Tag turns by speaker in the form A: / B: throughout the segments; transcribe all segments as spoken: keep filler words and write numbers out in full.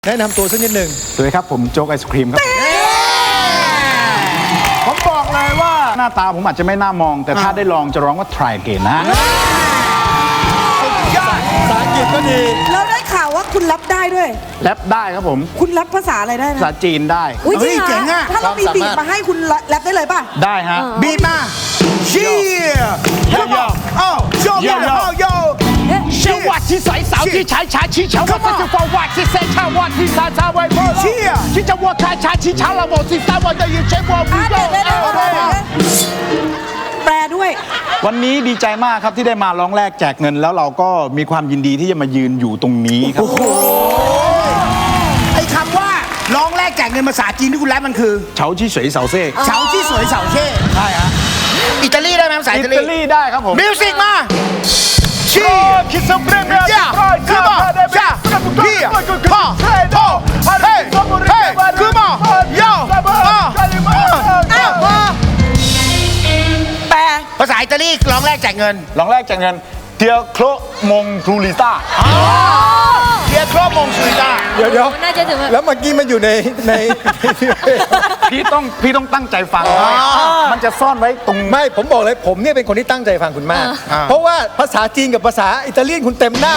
A: แนะนำตัวสักนิดหนึ่ง
B: สวัสดีครับผมโจ๊กไอศครีมครับผมบอกเลยว่าหน้าตาผมอาจจะไม่น่ามองแต่ถ้าได้ลองจะร้องว่า try again นะ
A: ภาษาอังกฤษก็ดี
C: แล้วได้ข่าวว่าคุณรับได้ด้วย
B: แรปได้ครับผม
C: คุณรับภาษาอะไรได้
B: ภาษา
C: นะ
B: จีนได้
C: อุ้ยจริง
A: เฮ้ยเจ๋ง
C: เหร
A: อะ
C: ถ้าเรามี
A: ความสามารถ
C: บีบมาให้คุณแรปได้เลยป่ะ
B: ได้ฮะ
A: บีบมาเชียร์
B: โยโย่
A: อ้าวโยโย่โย
B: เชื่อว่าที่ใสสาวที่ชายชายชี้เฉาว่าที่จะฟังว่าที่เซชาว่าที่ซาซาไว้พ่อที่จะว่าชายชายชี้เฉาเราบอกที่ซาว่าจะยืนใช้ว่าวิ
C: อ่ะ
B: โก้
C: เดี๋ยวเดี๋ยวเดี๋ยวเดี๋ยวเดี๋ยวแปลด้วย
B: วันนี้ดีใจมากครับที่ได้มาร้องแรกแจกเงินแล้วเราก็มีความยินดีที่จะมายืนอยู่ตรงนี้ครับ
A: ไอ้คำว่าร้องแรกแจกเงินภาษาจีนที่คุณแรปมันคือ
B: เฉาที่เฉยเสาเซ่
A: เฉาที่สวยเสาเช่
B: ใช่ฮะ
A: อิตาลีได้ไหมภาษา
B: อิ
A: อิตา
B: ตา
A: ลี
B: ลีได้ครับผม
A: มิวสิกมาเชียร์
B: คิดสเปรย์เมีย
A: ย่าคือมาย่าพี่พ่อโตเฮ้เฮ้คือมาโย่อ่าแปลภาษาอิตาลีร้องแรกแจกเงิน
B: ร้องแรกจากเงินเทียโครมงทูลิต้า
A: เทียครอบมงสุริตา
D: เดี๋ยวเดี๋ยว
E: น่าจะถึงแบบ
D: แล้วเมื่อกี้มันอยู่ในใน
B: พี่ต้องพี่ต้องตั้งใจฟังมันจะซ่อนไว้ตรง
D: ไม่ผมบอกเลยผมเนี่ยเป็นคนที่ตั้งใจฟังคุณมาก เพราะว่าภาษาจีนกับภาษาอิตาเลียนคุณเต็มหน้า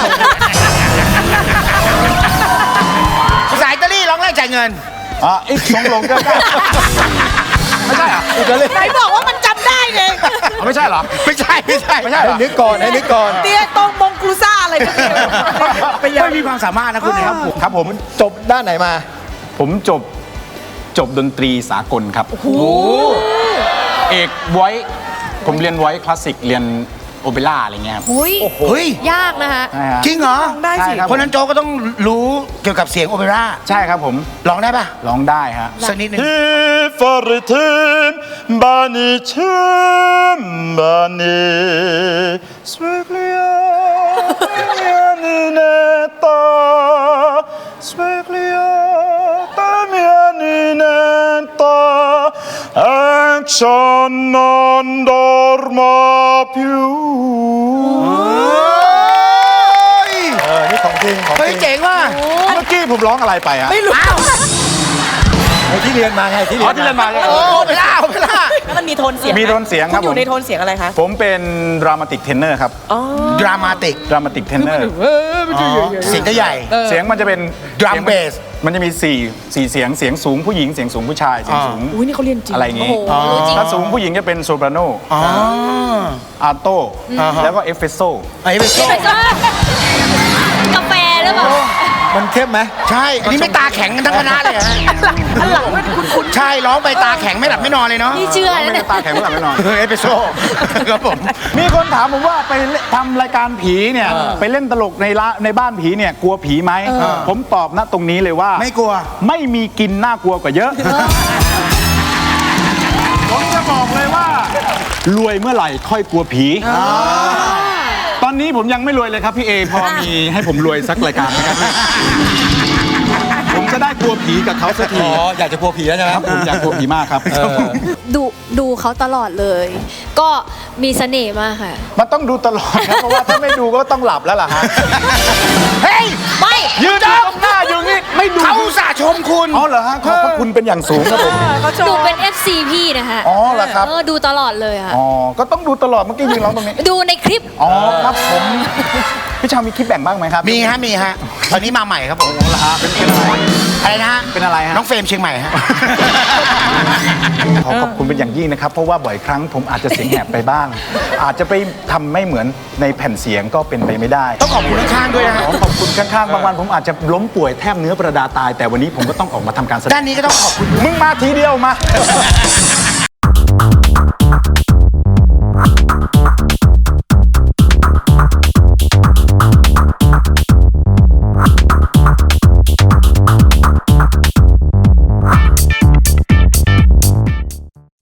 A: ภาษาอิตาลีร้องแรกแจกเงิน
B: อ่ะอีกสองลงก็ได้ไม่ใช่เหรอ
D: อิตาเลียน
C: ไหนบอกว่ามันจำได้ไง
B: ไม่ใช่เหรอ
A: ไม่ใช่ไม่ใช่
B: ไม่ใช่เหร
D: ให้
B: อ
D: นึกก่อนให้นึกก่อน
C: เตียตรงมงกรูซ่าอะไรพวกนี้ไปยัง
A: ไม่มีความสามารถนะคุณนะครับผม
B: ครับผม
D: จบด้านไหนมา
B: ผมจบจบดนตรีสากลครับเอกไว้ผมเรียนไว้คลาสสิกเรียนโอเปร่าอะไรเงี้ยครับ
E: หุย
A: เฮ้ย
E: ยากนะคะ
B: ใช่ฮะ
A: จริงเหรอ
C: ลองได้สิ
B: ใช่ครับ
A: เพราะฉะนั้นโจก็ต้องรู้เกี่ยวกับเสียงโอเปร่า
B: ใช่ครับผม
A: ร้องได้ปะ
B: ร้องได้ฮะ
A: สักนิดหนึง
B: Fartim bani chim bani Sveglia mianineta Sveglia mianineta Action non dorma più
D: เออ นี่ของจริงของ
A: เฮ้
D: จ
A: ย
D: ริง
A: เจ๋งว่ะ
B: เมื่อกี้ผมร้องอะไรไปอะ
C: ไม่รู้
D: ไอ้ที่เรียนมาไงที่เรี
B: อ๋
D: ย
B: อน ที่เรียน
D: มา
B: มา
A: โอ้โอเปร่าโอเปร่า
C: แล้วมันมีโทนเสียง
B: มีโทนเสียงครับ
C: คุณอ
B: ผม
C: ยู่ในโทนเสียงอะไรคะ
B: ผมเป็นดรามาติกเทนเนอร์ครับ
A: ดรามาติก
B: ดรามาติกเทนเนอร์
A: เสียงก็ใหญ่
B: เสียงมันจะเป็น
A: Drum
B: สียง
A: bass
B: มันจะมีสี่สี่เสียงเสียงสูงผู้หญิงเสียงสูงผู้ชายเสียงสูง
C: อุ้ยนี่เขาเรียนจริง
B: อะไรอย่างงี้
E: โอ้โหรู้จริง
B: ถ้าสูงผู้หญิงจะเป็นโซปราโน
A: อ๋อ
B: อาโต้แล้วก็เอฟเฟโซ
A: ไอ้เบโซ่
E: เป็นก็กาแฟหรือเปล่า
D: มันเข้มไหม
A: ใช่ อันนี้ไม่ตาแข็งกันทั้งคณะเลยฮะ
C: อันหลังไม่คุณคุณ
A: ใช่ร้องไปตาแข็งไม่หลับไม่นอนเลยเนาะ
E: นี่เชื่อ
B: ไม่
E: นะ
B: ได้
E: เนี่ย
B: ตาแข็งไม่หลับไม่นอน
A: เออเอสเปรสโซ่ครับผม
B: มีคนถามผมว่าไปทำรายการผีเนี่ยไปเล่นตลกในละในบ้านผีเนี่ยกลัวผีไหมผมตอบนะตรงนี้เลยว่า
A: ไม่กลัว
B: ไม่มีกินน่ากลัวกว่าเยอะ ผมจะบอกเลยว่า รวยเมื่อไหร่ค่อยกลัวผี ตอนนี้ผมยังไม่รวยเลยครับพี่เอพอมีให้ผมรวยสักรายการไหมครับ ผมจะได้กลัวผีกับเขาสักที
D: อ๋อ อยากจะกลัวผีแล้วใช่ไหม
B: ครับผมอยากกลัวผีมากครับ
E: ดูดูเขาตลอดเลย ก็มีเสน่ห์มากค่ะ
B: มันต้องดูตลอดครับเพราะว่าถ้าไม่ดูก็ต้องหลับแล้วล่ะฮะ
A: เฮ้ย
E: ไม่
B: ยืนอยู่ตรงหน้าอยู่นี่ไม่ดู
A: เขาอุตส่าห์ชมคุณ
B: อ๋อเหรอฮะขอบพระคุณเป็นอย่างสูงครับผม
C: เขาช
E: ดู
C: ม
E: เป็น เอฟ ซี พี่นะคะ
B: อ๋อเหรอครับ
E: เออดูตลอดเลยค่ะ
B: อ๋อก็ต้องดูตลอดเมื่อกี้ยืนร้องตรงนี้
E: ดูในคลิป
B: อ๋อครับผมพี่ชาวมีคลิปแบ่งบ้างไหมครับ
A: มีฮะมีฮะ ตอนนี้มาใหม่ครับผม
B: เหรอฮะเป็นเป็นอะไร
A: อะไรนะฮะ
B: เป็นอะไรฮะ
A: น้องเฟรมเชียงใหม่ฮะ
B: ขอขอบคุณเป็นอย่างยิ่งนะครับ เพราะว่าบ่อยครั้งผมอาจจะเสียงแหบไปบ้าง อาจจะไปทำไม่เหมือนในแผ่นเสียงก็เป็นไปไม่ได้
A: ต้องขอบคุณข้างๆด้วยนะฮะ
B: ขอขอบคุณข้างๆบางวันผมอาจจะล้มป่วยแทบเนื้อประดาตาย แต่วันนี้ผมก็ต้องออกมาทำการแสดง
A: ด้านนี้ก็ต้องขอบคุณ
B: มึงมาทีเดียวมา